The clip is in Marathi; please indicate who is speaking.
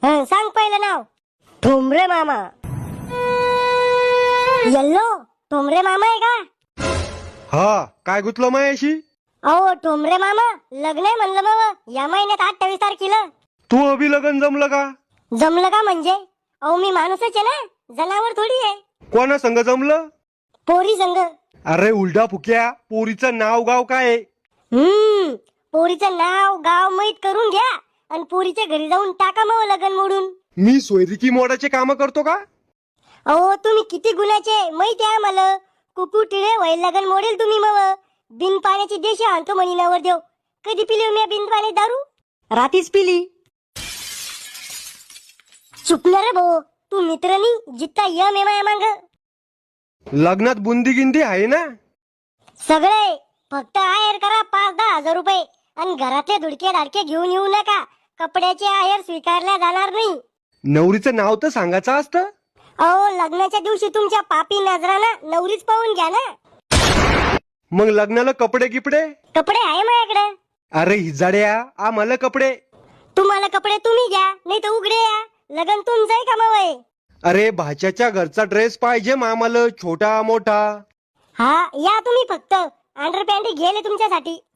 Speaker 1: सांग पहिलं नाव. ठोंबरे मामा. येल्लो ठोंबरे मामा आहे का?
Speaker 2: हा, काय गुतलं मायाशी?
Speaker 1: अहो ठोंबरे मामा, लग्न आहे म्हणलं मग या महिन्यात 28 तारखेला.
Speaker 2: तू अभि लगन जमलं का?
Speaker 1: जमलं का म्हणजे? अहो मी माणूसच आहे ना, जनावर थोडी आहे.
Speaker 2: कोणा संग जमलं?
Speaker 1: पोरी संग.
Speaker 2: अरे उलटा फुक्या, पोरीचं नाव गाव काय आहे?
Speaker 1: पोरीचं नाव गाव माहित करून घ्या आणि पोरीच्या घरी जाऊन टाका मग लगन मोडून.
Speaker 2: मी सोयरिकी मोडाचे काम करतो का?
Speaker 1: अहो तुम्ही किती गुन्ह्याचे माहिती आहे मला. कुकू टिळे वय लगन मोडेल तुम्ही मग. बिन पाण्याची देशी आणतो म्हणी नवर देव. कधी पिली मी बिन पाणी दारू? रातीच पिली. चुकणार रे भाऊ, तू मित्रनी जित्ता यम आहे माया मांग.
Speaker 2: लग्नात बुंदी गिंदी आहे ना?
Speaker 1: सगळे फक्त आहेर करा 5-10 हजार रुपये आणि घरातले धुडके धाडके घेऊन येऊ नका. कपड्याचे आहेर स्वीकारल्या जाणार नाही.
Speaker 2: नवरीचं नाव तर सांगायचं असतं.
Speaker 1: अहो लग्नाच्या दिवशी तुमच्या पापी नजरानं नवरीच पाहून घ्या ना.
Speaker 2: मग लग्नाला कपडे गिपडे?
Speaker 1: कपडे आहे माझ्याकडे.
Speaker 2: अरे हिजाड्या, आम्हाला कपडे.
Speaker 1: तुम्हाला कपडे तुम्ही घ्या, नाही तर उघडे या. लगन तुमचं आहे का मग?
Speaker 2: अरे भाच्याच्या घरचा ड्रेस पाहिजे मामाला, छोटा मोठा.
Speaker 1: हा या तुम्ही फक्त. अंडरपॅन्ट घेले तुमच्यासाठी.